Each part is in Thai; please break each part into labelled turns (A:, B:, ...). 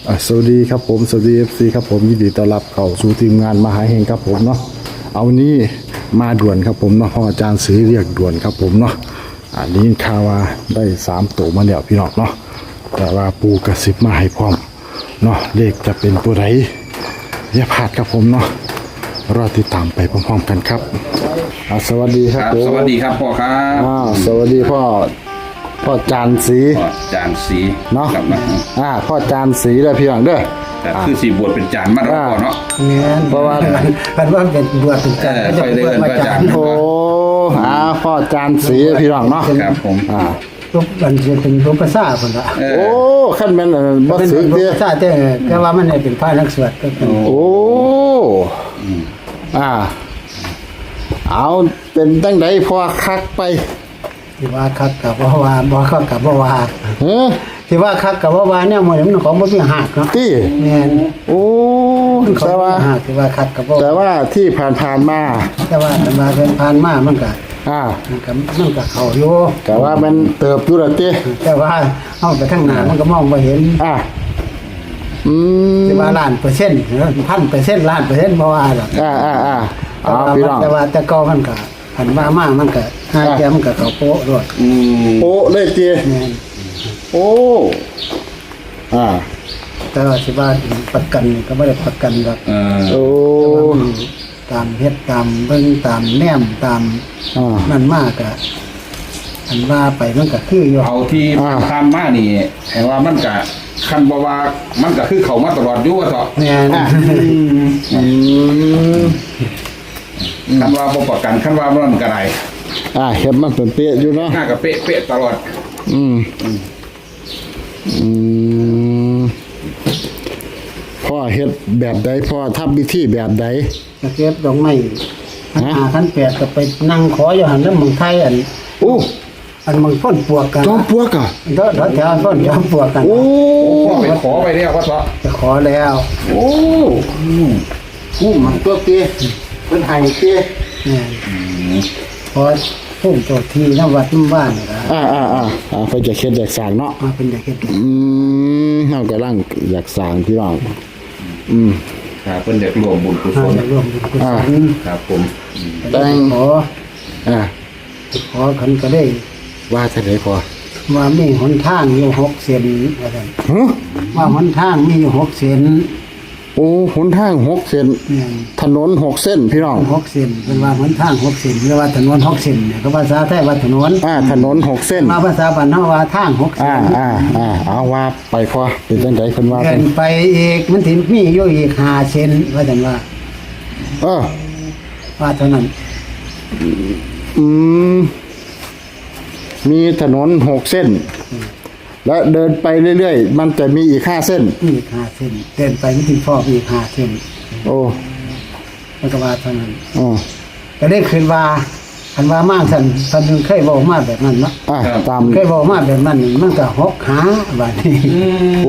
A: สวัสดีครับผมสวัสดีFCครับผมยินดีต้อนรับเข้าสู่ทีมงานมหาเฮงครับผมเนาะเอานี้มาด่วนครับผมเนาะเพราะอาจารย์ซื้อเรียกด่วนครับผมเนาะอันนี้ข่าวว่าได้3ตัวมาแล้วพี่น้องเนาะแต่ว่าปูกระซิบมาให้พร้อมเนาะเลขจะเป็นตัวไหนอย่าพลาดครับผมเนาะรอติดตามไปพร้อมๆกันครับสวัสดีครับผม
B: สวัสดีครับพ่อครับ
A: สวัสดีพ่อจานสี
B: พ่อจานสี
A: เนาะ
B: ครับ
A: พ่อจานสีเลยพี่น้องเด้อ
B: แต่คือสีบวชเป็นจานมาแล้วพ่อเนาะ
C: เนี่ยเพราะว่าเป็นบวชเป็นจันทร์ก็จะบวชมาจาน
A: โอ้พ่อจานสีพี่น้องเนาะ
B: ครับผม
C: รูปมันจะเป็นรูปภาษาคนละ
A: โอ้ขั้นแม่นบ่
C: เป็น
A: สึก
C: รูป
A: เด้
C: ภาษาแต่ว่ามันเป็นพระนักสวดก็เป็น
A: โอ้เอาเป็นตั้งใดพอคักไป
C: ที่ว่าคักกับว่าบ่คักกับว่า
A: เฮ้อ
C: ที่ว่าคักกับว่าเนี่ยมันของบ่มีหักเนาะ
A: ตี้
C: แม่น
A: โอ้
C: เขา
A: แต่ว่า
C: หักที่ว่าคักกับว่า
A: แต่ว่าที่ผ่านๆมา
C: แต่ว่าเป็นผ่านมามันก็เข้าอยู่
A: แต่ว่ามันเติบอยู่แล้วติ
C: แต่ว่าเอาไปข้างหน้ามันก็มองบ่เห็น ที่ว่าล้านเปอร์เซ็นต์1,000%ล้านเปอร์เซ็นต์บ่ว่าหรอก
A: พี่น้อง
C: แต่ว่าแต่ก็มันก็หันว่ามามันก็ห้าแก้มมันก็เข้าโป๊ะด้วย
A: โอ้เลยติ
C: แม่น
A: โอ้
C: แต่ว่าสิว่าประกันก็บ่ได้ประกันหรอก
A: โอ้
C: ตามเฮ็ดตามเบิ่งตามแนมตามนั่นมากก็อันว่าไปมันก็คืออยู่
B: เอาที่ทำมานี่แห่ว่ามันกะคันบ่ว่ามันก็คือเขามาตลอดอยู่ว่าเถาะ
C: แม่น
B: คันว่าบ่ประกันคันว่ามันก็ได้
A: เห็นมันเป็นเป๊ะอยู่เนาะ
B: หน้าก็เป๊ะตลอด
A: พ่อเฮ็ดแบบใดพ่อทำพิธีแบบใด
C: ก็เก็บดอกไม้ขั้น8ก็ไปนั่งขออยู่หั่นแล้วเมืองไทยอัน
A: โอ้
C: อันเมืองพ้นปวกกัน
A: จอมปลวกอ่ะ
C: เด้อแถวพ้นจอมปลวกกัน
A: โอ้
B: พ่อไปขอไปแล้วว่าเถาะ
C: จะขอแล้ว
A: โอ้มันตัวเตี้ยเป็นไห้เตี้ย
C: แม่นพอพุ่มเจ้าที่นวัดน้ำบ้านนี่ล่ะ
A: ไปจะเฮ็ดอยากสร้างเนาะ
C: มาเป็นอยากเฮ็ด
A: เฮากำลังอยากสร้างพี่น้อง
B: ครับเพิ่นอยากรวมบุญกุศล
C: ร่วมบุญกุศล
B: ครับผม
C: แต่ขอ
A: อ่า
C: ขันก็ได้
A: ว่าจะได้พอ
C: ว่ามีหนทางอยู่6 เซนว่าซั่น
A: ฮะ
C: ว่าหนทางมีอยู่6 เซน
A: โอ้หนทาง6เส้น
C: เนี่ย
A: ถนน6เส้นพี่น้อง
C: 6 เซนเป็นว่าหนทาง6 เซนหรือว่าถนน6 เซนเนี่ยก็ภาษาไทยว่าถนน
A: ถนน6เส้น
C: มาภาษาบ้านเฮาว่าทาง6 เซน
A: เอาว่าไปพอเป็นจังไดเพิ่นว่า
C: เดิ
A: กัน
C: นไปอีกมันสิมีอยู่อีก5 เซนว่าซั่นว่า ว่าเท่านั้น
A: มีถนน6เส้น และเดินไปเรื่อยๆมันจะมีอีก5เส้น
C: มีอีก5 เซนเดินไปมันสิพออีก5 เซน
A: โอ้
C: มันก็ว่าเท่านั้น
A: อ๋อ
C: ก็ได้คืนว่าคันว่ามากท่านเคยบอกมาแบบนั้นเนาะ
A: ตาม
C: เคยบอกมาแบบนั้นมันก็หกหาบัดนี้
A: โอ้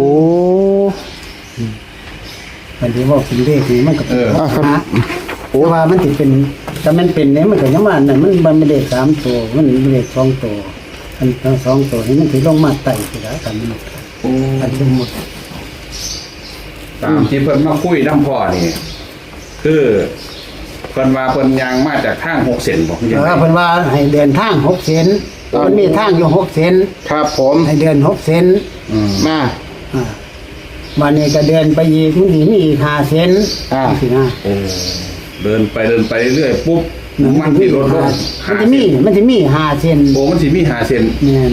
C: บัดนี้บอกเป็นเลขนี่มันก็เป็นหกหา
A: โอ้
C: แต่ว่ามันสิเป็นแต่มันเป็นเนี่ยมันก็ยังว่านั่นมันไม่ได้3 ตัวมันไม่ได้2 ตัวอันทั้ง2 ตัวนี่มันสิลงมาไต่สิแล้วกันมันอันสมมุติ
B: ตามที่เพิ่นมาคุยน้ำพ่อนี่คือเพิ่นว่าเพิ่นยังมาจากทาง6เส้นบ่จัง
C: แต่
B: ได๋
C: ว่าเพิ่นว่าให้เดินทาง6 เซนมันมีทางอยู่6 เซน
A: ครับผม
C: ให้เดิน6 เซน
A: มา
C: วันนี้ก็เดินไปอีกมันสิมีอีก5 เซนสินะ
B: โอ้เดินไปเรื่อยปุ๊บมันที่ลดลง
C: มันจะมี5 เซน
B: โอ้มันสิมี5เส้น
C: แม่น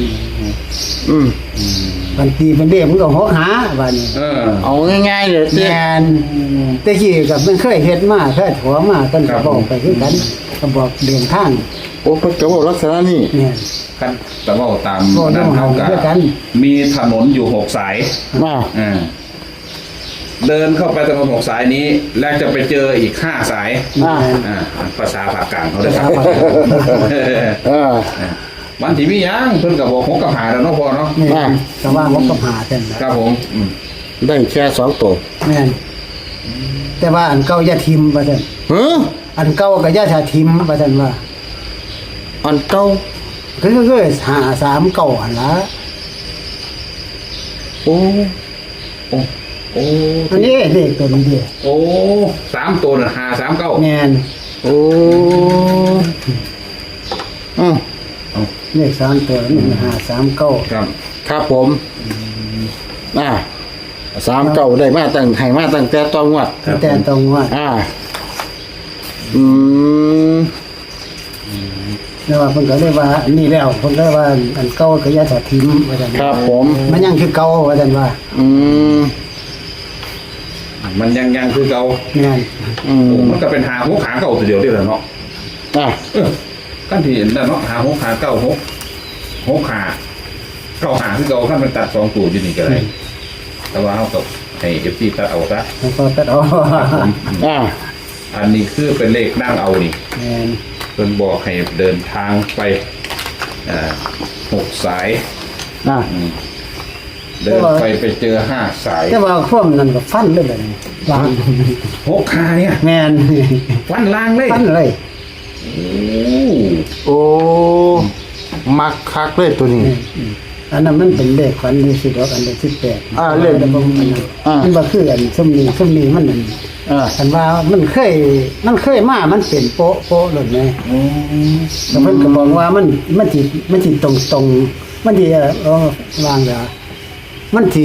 C: บันทีเป็นเด็กมันก็หกหาบัดนี้
A: เอาง่ายๆเลย
C: แม่นแต่กี้กับมันเคยเฮ็ดมาเคยถอมากันก็บอกไปคือกันก็บอกเดินทาง
A: โอ้เพิ่นก็บอกลักษณะนี้
C: แม่น
B: คันแต่ว่าตาม
C: โอ้
B: นั้นเท่า
C: ด้วยกั
B: กัน มีถนนอยู่6สาย
A: มา
B: เดินเข้าไปถนน6สายนี้ แล้วจะไปเจออีก5สาย
C: แม่น
B: ภาษาภาคกลางเขาเลยครับ มันที่มีหยังเพิ่นก็บอก6กับ5แล้วเนาะพ่อเนาะ
C: แม่นแต่ว่าผมก็หาเส้นนะครับ
B: ผม
A: ได้แค่2ตัว
C: แม่นแต่ว่าอันเก่าอย่าทิมว่าซั่น
A: ฮะ
C: อันเก่าก็อย่าถ้าทิมว่าซั่นว่า
A: อันเก่า
C: คือหา3 เก่าหั่นล่ะ
A: โอ้
B: โอ้โอ้
C: อันนี้เลขตัวนี้เดียว
B: โอ้3ตัวน่ะ539
C: แม่น
A: โอ้อืม
C: เลข3ตัวนี่539
B: ครับ
A: ครับผม39ได้มาตั้งให้มาตั้งแต่ตอนงวด
C: แต่ตรงว่า
A: อืม
C: แล้วว่าเพิ่นก็เลยว่าอันนี้แล้วเพิ่นก็เลยว่าอันเก่าก็อย่าถอดทิ้งว่าซั่น
A: ครับผม
C: มันยังคือเก่าว่าซั่นว่า
A: อืม
B: มันยังคือเก่า
C: แม่น
A: อืม
B: โอ้มันก็เป็นหาหกขาเก่าตัวเดียวเด้อล่ะเนาะ กันที่เห็นนั่นเนาะหา6ขา9 6ขา9หาคือเก่าคันมันตัด2ตัวอยู่นี่ก็ได้แต่ว่าเฮาก็ให้ FC ตัดเอาซะ
C: แล้วก็ตัดเอา
B: อันนี้คือเป็นเลขนั่งเอานี่
C: แม่น
B: เพิ่นบอกให้เดินทางไป6 สาย เดินไปเจอ5 สาย
C: แต่ว่าความนั้นก็ฟันเลยแบบนี้วาง
B: 6 ขาเนี่ย
C: แม่น
B: ฟันล่างเลย
C: ฟันเลย
A: โอ้มักคักเลยตัวนี้
C: อันนั้นมันเป็นเลขฝันที่สิดอกอันเลข18
A: เลข
C: มันบ่คืออันซุ่มนี้มันนั่นคันว่ามันเคยมามันเป็นโป๊ะเลยแม่แล้วเพิ่นก็บอกว่ามันสิตรงมันสิวางดามันสิ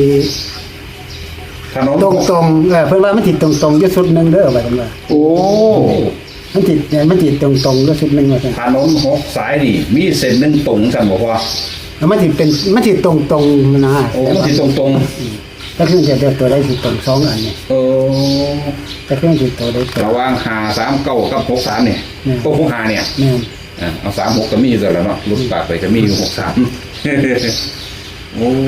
B: ถนน
C: ตรงเพิ่นว่ามันสิตรงอยู่สุดหนึงเด้อว่าซั่นว่า
A: โอ้
C: มันสิตรงอยู่สุดหนึงว่าซั่น
B: ถนน6 สายนี่มีเส้นหนึงตรงกันบ่พอ
C: แล้วมันสิตรงนะ
B: โอ้มันสิตรง
C: แต่คือจะตัวได้สิตรง2อันนี่
B: ๆ
C: แต่คือสิตัวได้ตัว
B: ระหว่าง539กับ63เนี่ยก็65เนี่ย
C: แม่น
B: เอา36ก็มีซะแล้วเนาะลุดปากไปก็มีอยู่63โอ้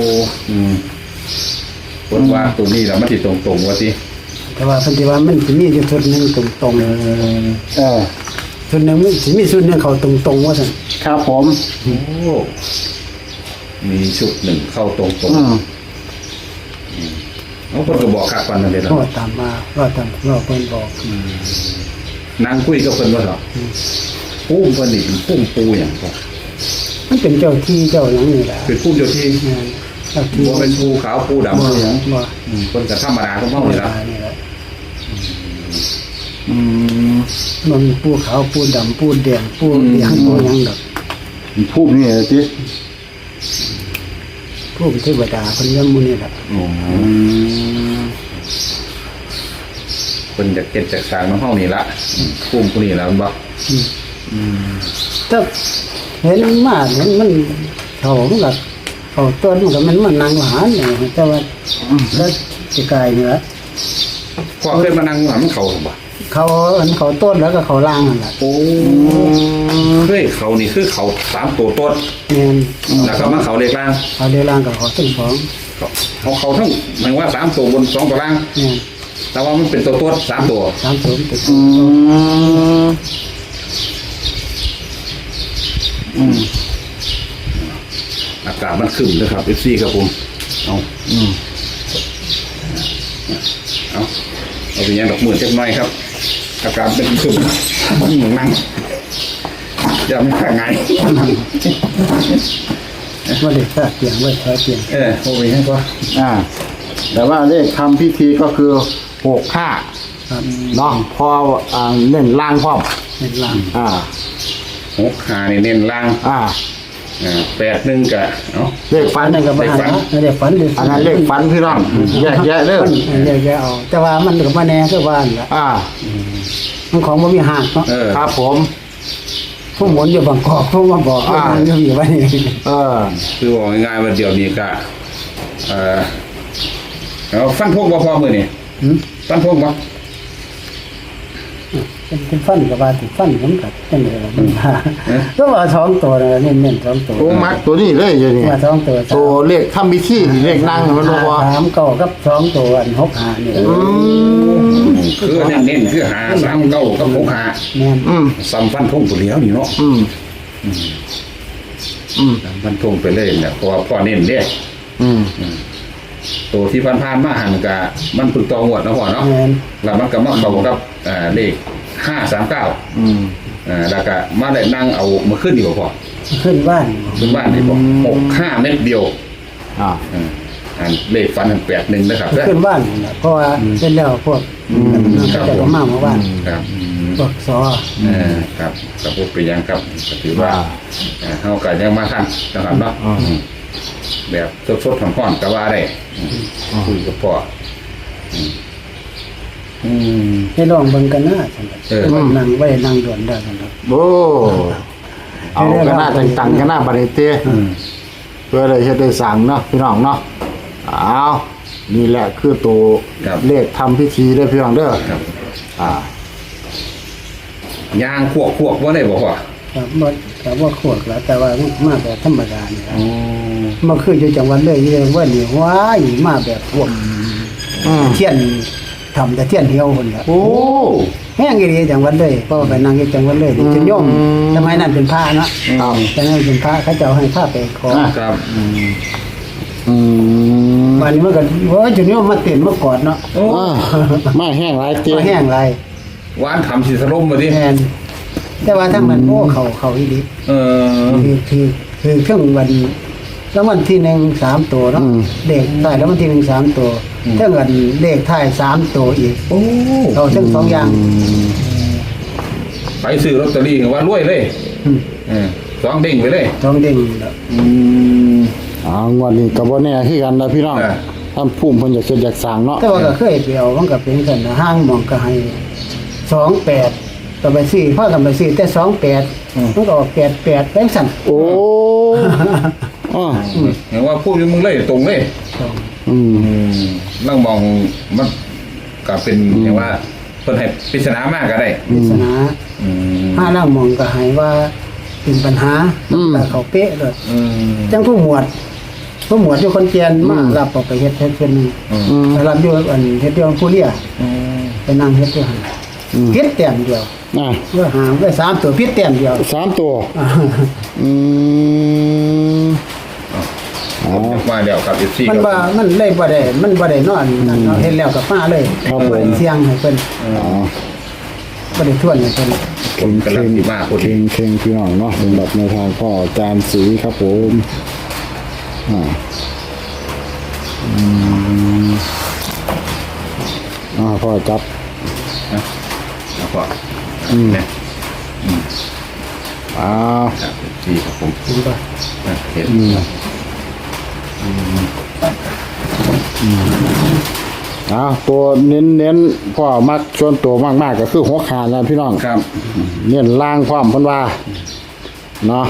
B: คนว่าตัวนี้แล้วมันสิตรงๆว่าสิ
C: แต่ว่าเพิ่นสิว่ามันสิมีอยู่สุดหนึงตรงสุดหนึงมันสิมีสุดหนึงเข้าตรงว่าซั่น
A: ครับผม
B: โอ้มีชุดหนึ่งเข้าตรง เขาคนก็บอกคักปันนั่นเลยนะ
C: ก็ตามมาก็ตามเราเพิ่นบอก
B: นางคุยกับเพิ่นว่าเหรอปุ้มเพิ่นนี่เป็นปุ้มปูอย่างก็
C: มันเป็นเจ้าที่เจ้าหยังนี่แหละ
B: เป็นปุ้มเจ้าที่
C: แม่นเจ้าที่
B: บ่เป็นปูขาวปูดำ
C: บ่
B: ปูหยัง
C: บ่
B: เพิ่นก็ธรรมดาของเฮานี่ล่ะ
C: นี่แหละ
A: อืม
C: มันมีปูขาวปูดำปูแดงปูเหลืองปูหยังดอก
A: พูดนี่สิ
C: ผู้เทวดาเพิ่นยังหมู่นี่แหละ
B: เพิ่นจะเก็บจากสร้างของเฮานี่ล่ะปุ้มผู้นี้ล่ะมันบ่
C: ถ้าเห็นมาเห็นมันเขามันก็เขาต้นมันก็มันนั่งหวานนี่แต่ว่าแล้วสิกายนี่ละ
B: พอเคยมานั่งหันเขาบ่
C: เขาต้นแล้วก็เขาล่างนั่นแหละ
B: โอ้เคยเขานี่คือเขา3ตัวต้น
C: แม่น
B: แล้วก็มาเขาเลขล่าง
C: เขาเดล่างกับเขาทั้งสอง
B: เขาทั้งหมายว่า3ตัวบน2ตัวล่าง
C: แม่น
B: แต่ว่ามันเป็นตัวต้น3ตัว
C: 3ตัวเป็น
B: อากาศมันขึ้นนะครับ FC ครับผมเอาเอาไปยังดอกหมื่นเล็กน้อยครับ อากาศเป็นขึ้นนั่งจะไม่ขาดไง
C: ว่าเด็กถ้าเตียงไว้ใช้เตียง
B: โอ้ยให้ก็
A: แต่ว่าเลขทำพิธีก็คือ65
C: ครับ
A: เนาะพอเน้นล่างพร้อม
C: เป็นล่าง
B: 6 ขานี่เน้นล่าง 8 1กะเนาะ
A: เลขฝัน
C: นั่นก็บ่หาเด็กฝัน
A: อันนั้นเลขฝันพี่น้องแยกแยะเด้อ
C: แยกเอาแต่ว่ามันก็บ่แน่คือว่านั่นล่ะมันของบ่มีหากเนาะ
A: ครับผม
C: ผู้หมุนอยู่บางกอกผู้มาบอกว่ามันอยู่ว่านี่
B: คือบอกง่ายๆว่าเดี๋ยวนี้ก็เอาฟันพวกบ่พอมือนี่ฟันพวกบ่
C: เป็นฟันกับว่าติฟันผมกับจังได๋ล่ะมันว่าก็ว่า2ตัวเน้นๆ2ตัว
A: โอ้มักตัวนี้เลยอยู่นี่
C: ว่า2ตัว
A: ตัวเลขทำพิธีเลขนั่งมันบ่ว่า
C: 3เก้ากับ2ตัวอัน6หานี่
B: คือเน้นๆคือหา3 9กับ6 5
C: แม่น
B: ซ้ำฟันพงตัวเดียวนี่เนาะฟันพงไปเลยเนี่ยเพราะว่าพ่อเน้นเด้ตัวที่ผ่านๆมาหันกะมันฝึกต่องวดนะพ่อเนาะ
C: แม่น
B: แล้วมันก็มาเข้ากับเลข539แล้วก็มาได้นั่งเอามาขึ้นดีกว่าพ่อ
C: ขึ้นบ้าน
B: ขึ้นบ้านดีกว่า65 เม็ดเดียวอันเลขฟันอัน81นะครับเด้อ
C: ขึ้นบ้านนั่นล่ะเพราะว่าเป็นแล้วพวกเขาจะก็มาเมื่อวาน
B: ครับ
C: พวกสอ
B: ครับกับพวกไปยังครับก็ถือว่าเฮาก็ยังมาทันนะครับเนาะแบบสดๆร้อนๆก็ว่าได้คุยกับพ่อ
C: ให้ลองเบิ่งกันนะซั่นน่ะ
B: เออ
C: นั่งไว้นั่งด่วนได้ซั่นน่ะ
A: โอ้เอากันหน้าต่างๆกันหน้าบัดนี้เต้เพื่อได้เฮ็ดได้สั่งเนาะพี่น้องเนาะเอานี่แหละคือตัว
B: ครับ
A: เลขทำพิธีได้อพี่น้องเด้อ
B: ครับ
A: อ่า
B: ยางควกว่าได้บ่พ่อ
C: ครับบ่ขวดแล้วแต่ว่ามาแบบธรรมดานี่ครับมันคืออยู่จังหวัดเลยอยู่จังหวัดนี่ว้ายมาแบบพวกเทียนทำแต่เทียนเดียวคนครับ
A: โอ้
C: แห้งอีหลีจังหวัดเลยเพราะว่าไปนั่งอยู่จังหวัดเลยจนโยมสมัยนั้นเป็นพระเนาะ
A: ครับ
C: แต่นั้นเป็นพระเขาเจ้าให้พระไปขอ
B: ครับ
A: อืม
C: วันนี้มันก็ว่าจนโยมมาเต้นมากอดเนาะ
B: โอ้
A: อ่ามาแห้งหลายเต้
C: มาแห้งไร
B: หวานทำสิสลมมาดิ
C: แทนแต่ว่าทั้งมันโอ้เขาอีหลี
B: เออ
C: คือเครื่องวันแล้ววันที่1 3 ตัวเนาะเลขท้ายแล้ววันที่1 3 ตัวเท่ากันเลขท้าย3 ตัวอีก
B: โอ้
C: เอาทั้งสองอย่าง
B: ไปซื้อลอตเตอรี่ว่ารวยเลยสองเด้งไปเลย
C: สองเด้งแล้ว
A: งวดนี้ก็บ่แน่คือกันนะพี่น้อง
B: อ่า
A: ท่านภูมิเพิ่นอยากเฮ็ดอยากสร้างเนาะ
C: แต่ว่าก็เคยไปเอามันก็เป็นกันนะห้างหมองก็ให้28ก็ไปซื้อพากันไปซื้อแต่28มันก็ออก88แบงค์สั่น
A: โอ้อ่า
B: เห็นว่าพูดอยู่มึงเลยตรงเลย
A: อืม
B: นั่งมองมันก็เป็นอย่างว่าเพิ่นให้ปริศนามากก็ได้
C: ปริศนาห้าล่างหมองก็ให้ว่าเป็นปัญหาแต่เขาเป๊ะเลยจังผู้หมวดอยู่คนเกียนมารับออกไปเฮ็ดเพิ่นนึงไปรับอยู่อันเฮ็ดอยู่ผู้เลี้ยไปนั่งเฮ็ดอยู่หั่นพิษแต้มเดียว
A: อ่า
C: เมื่อหางได้3ตัวพิษแต้มเดียว
A: 3ตัวอืม
B: มาแล้วครับ FC
C: มันว่ามันเลยบ่ได้นอนนั่นเนาะเฮ็ดแล้วก็มาเลยเสียงให้เพิ่น
A: อ๋อ
C: บ่ได้ทวนให้เพิ่น
B: ผมกำลังสิมาพอดี
A: เข่งพี่น้องเนาะสำหรับในทางพ่ออาจารย์ศรีครับผมพ่อจับ
B: แล้วก็เนี่ย ครับ FC ครับผม
C: เห็นบ่
B: เห็น
A: ตัวเน้นพ่อมักชวนตัวมากๆก็คือหัวขาดนะพี่น้อง
B: ครับ
A: เน้นล่างความเพิ่นว่าเนาะ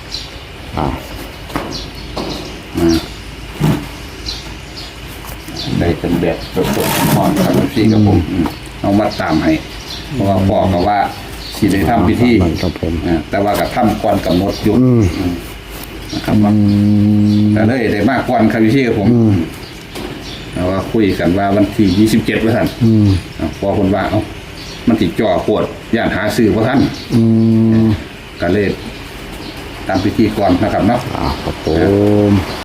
B: ได้เป็นแบบสดๆอ่อนครับ FC ครับผมเอามาตามให้เพราะว่าพ่อก็ว่าสิได้ทำพิธี
A: ครับผม
B: แต่ว่าก็ทำก่อนกำหนดอยู่นะครับว่าแต่เลยได้มากก่อนครับพี่ครับผมแต่ว่าคุยกันว่าวันที่27ว่าท่านพอคนว่าเอ้ามันติดจ่อปวดย่านหาซื้อว่าท่านก็เลยตามพิธีก่อนนะครับเนาะ
A: ครับผม